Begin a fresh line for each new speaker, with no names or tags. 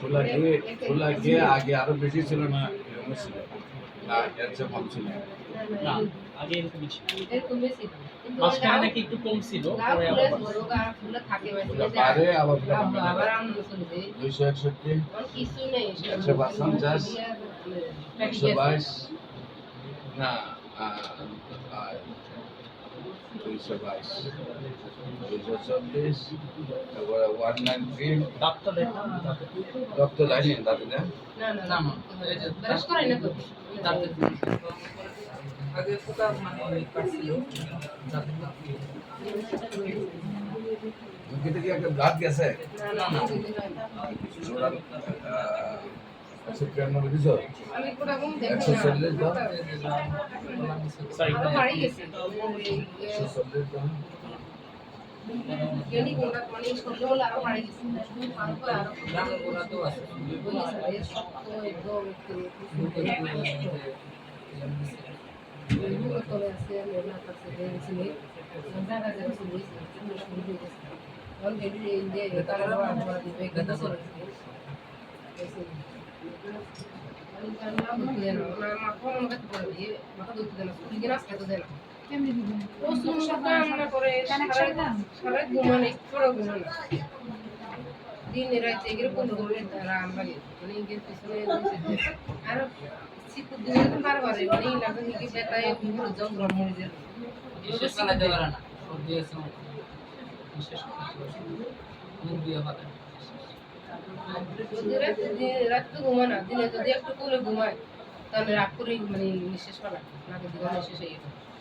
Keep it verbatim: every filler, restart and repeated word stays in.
খোলা গিয়ে খোলা গিয়ে আগে আরো বেশি ছিল না এরকম ছিল না এর চেয়ে কম ছিল
না আগে এরকমই ছিল
এরকমই ছিল কিন্তু
মাঝখানে নাকি একটু কম ছিল
লাভ
পরে
ফুলে
আবার
বড় গাছ ফুলে থাকে
খোলা পারে আবার খোলা
আবার
কমে
আবার
যায়
আনন্দ চলে যায়
দুইশো একষট্টি
আর কিছু নেই
একশো পঞ্চাশ একশো বাইশ না দুইশো বাইশ দুইশো চল্লিশ তারপরে ওয়ান নাইন থ্রি
ডাক্তার দেখলাম
রক্ত যায়নি তাতে না
না না
না
না
না এই যে
ব্রাশ করাই না তো
দাঁতের
আগে পোকা মানে কাটছিল
মুখে কি একটা ব্লাড গেছে
না না
একশো তিরানব্বই দিছ
আমি কোটা কম দেখি
একশো চল্লিশ দাও
সরি
আরো বাড়ি গেছে
একশো চল্লিশ দাও
কেনি কোটা মানে সরলে হলে আরো বাড়ি গেছে আরো করে আরো
গ্রামের গোড়া তো আছে
বলি স্যার শক্ত একদম একটু তলে আছে মেলা কাছে দেখছিল জায়গা জায়গা শুরু হয়েছে শুরু হয়ে গেছে তখন গেলি এই যে তারা আমরা দিবে কথা করে মাথা মনে করে দিয়ে মাথা দুধ দেয় না তুই গিয়ে নাচ খেতে দেয় না
কেমনি দিবেন
ও সকাল মনে করে
কানেকশন না
সারা ঘুমানো পুরো ঘুমানো দিন রাতে এরকম করে তারা আমরা মানে ইংরেজ পিছনে আর শীতের দিনে তো বারবার মানে লাগে কি বেতায় পুরো জঙ্গল মরে যায়
বিশেষ করে দেওয়ার না সর্দি আছে বিশেষ করে মুখ দিয়ে পাতা
যদি রাতে রাত তো ঘুমানা দিনে যদি একটু করে ঘুমায় তাহলে রাত করেই মানে নিঃশ্বাস ফেলা নাকি জীবন শেষ হয়ে যাবে